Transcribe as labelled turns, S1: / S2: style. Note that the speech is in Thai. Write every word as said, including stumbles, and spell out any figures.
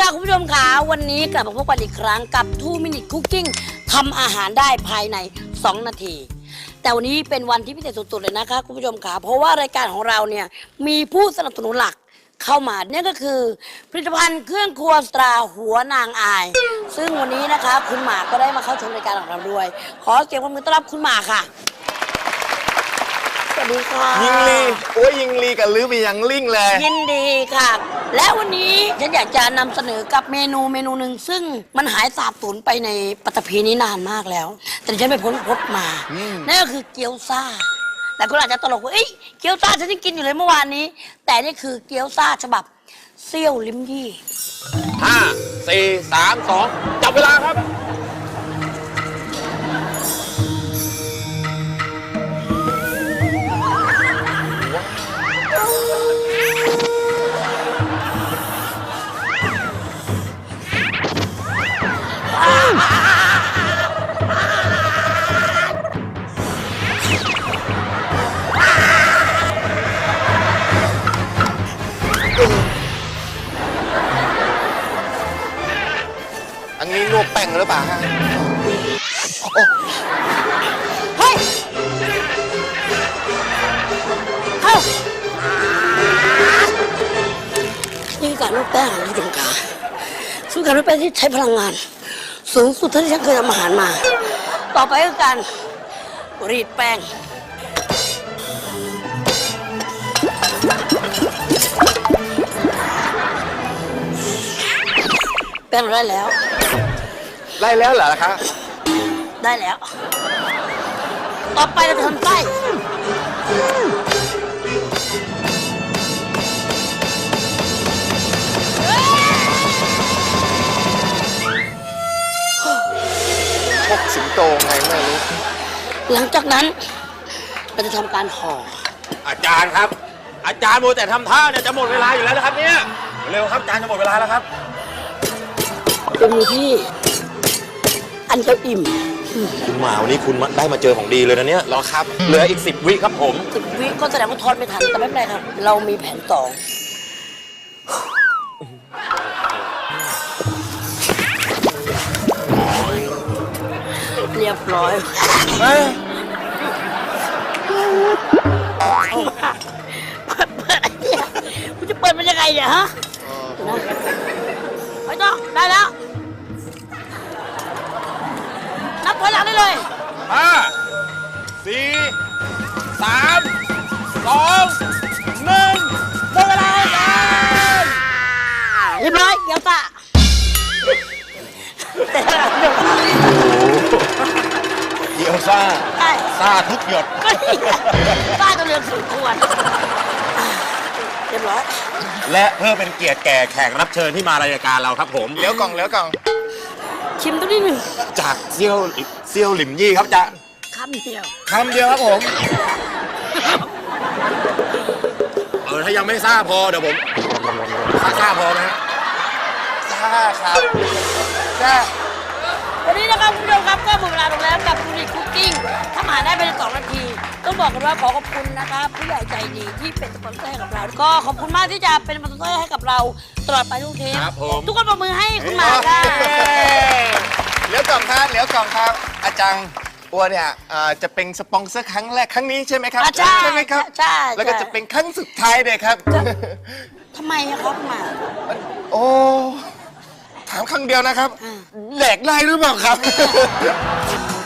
S1: ค่ะคุณผู้ชมค่ะวันนี้กลับมาพบกันอีกครั้งกับ ทู มินิท คุกกิ้ง ทำอาหารได้ภายในสองนาทีแต่วันนี้เป็นวันที่พิเศษสุดๆเลยนะคะคุณผู้ชมค่ะเพราะว่ารายการของเราเนี่ยมีผู้สนับสนุนหลักเข้ามาเนี่ยก็คือผลิตภัณฑ์เครื่องครัวสตราหัวนางอายซึ่งวันนี้นะคะคุณหมากก็ได้มาเข้าชมรายการของเราด้วยขอเสียงปรบมือต้อนรับคุณหมากค่ะสวัสดีค่ะ
S2: ยิงลีโอ้ยยิงลีกับลือไปยังลิงเลย
S1: ยินดีค่ะและวันนี้ฉันอยากจะนำเสนอกับเมนูเมนูหนึ่งซึ่งมันหายสาบสูญไปในปัตตภีนี้นานมากแล้วแต่ฉันไปพ้นพบมานั่นก็คือเกี๊ยวซ่าแต่คุณอาจจะตลกว่าเอ้ยเกี๊ยวซ่าฉันยังกินอยู่เลยเมื่อวานนี้แต่นี่คือเกี๊ยวซ่าฉบับเซี่ยวลิ้มยี่
S2: ห้าสี่สามสองจับเวลาครับอันนี้นวดแป้งหรือเปล่าฮะ
S1: เฮ้ยเข้านี่คือการนวดแป้งของคุณผู้ชมค่ะซึ่งการนวดแป้งที่ใช้พลังงานสูงสุดเท่าที่ฉันเคยทำอาหารมาต่อไปคือการรีดแป้งแป้งได้แล้ว
S2: ได้แล้วเหรอคะ
S1: ได้แล้วต่อไปเราจะทำไส้
S2: พกสิงโตไงไม่รู้
S1: หลังจากนั้นเราจะทำการห่อ
S2: อาจารย์ครับอาจารย์โมแต่ทำท่าเนี่ยจะหมดเวลาอยู่แล้วนะครับเนี่ยเร็วครับอาจารย์จะหมดเวลาแล้วครับ
S1: เป็นมือที่อันเจ้าอิ่ม
S2: คุณหมาวันนี้คุณได้มาเจอของดีเลยนะเนี่ยรอครับเหลืออีกสิบวิครับผม
S1: สิบวิก็แสดงว่าทอดไม่ทันแต่ไม่เป็นไรครับเรามีแผนสองเรียบร้อยคุณจะเปิดมันยังไงเนี่ยฮะไม่ต้องได้แล้วนับถอยหลังได้เลย
S2: ห้าสี่สามสองหนึ่งหมดเวลาแล้ว
S1: เรียบร้อยเกี๊ยวซ่า
S2: เกี๊ยวซ่า
S1: ใช่
S2: ซ่าทุกหยด
S1: ซ่าจนเหลือสุดควรเรียบร้อย
S2: และเพื่อเป็นเกียรติแก่แขกรับเชิญที่มารายการเราครับผมเลี้ยวกล่องเลี้ยวกล่อง
S1: ชิมตัวนี้หนึ่ง
S2: จากเซี่ยวเซี่ยวหลิมยี่ครับจ๊ะ
S1: คำเดียว
S2: คำเดียวครับผมเออถ้ายังไม่ซ่าพอเดี๋ยวผมซ่าซ่าพอไหมซ่าครับซ่า
S1: วันนี้นะครับคุณผู้ชมครับก็หมดเวลาลงแล้วกับ ทู มินิท คุกกิ้งทำอาหารได้ภายในสองนาทีต้องบอกกันว่าขอขอบคุณนะครับผู้ใหญ่ใจดีที่เป็นสปอนเซอร์ให้กับเราก็ขอบคุณมากที่จะเป็นสปอนเซอร์ให้กับเราตลอดไปทุกเทปทุกคนปรบมือให้คุณหมากค่ะ
S2: เลี้ยวกล่องครับเลี้ยวกล่องครับอาจารย์อัวเนี่ยจะเป็นสปอนเซอร์ครั้งแรกครั้งนี้ใช่ไหมครับ
S1: ใช่
S2: ไหมครับ
S1: ใช่
S2: แล้วก็จะเป็นครั้งสุดท้ายเลยครับ
S1: ทำไมครับคุณหมาก
S2: โอ้ถามครั้งเดียวนะครับแหลกได้หรือเปล่าครับ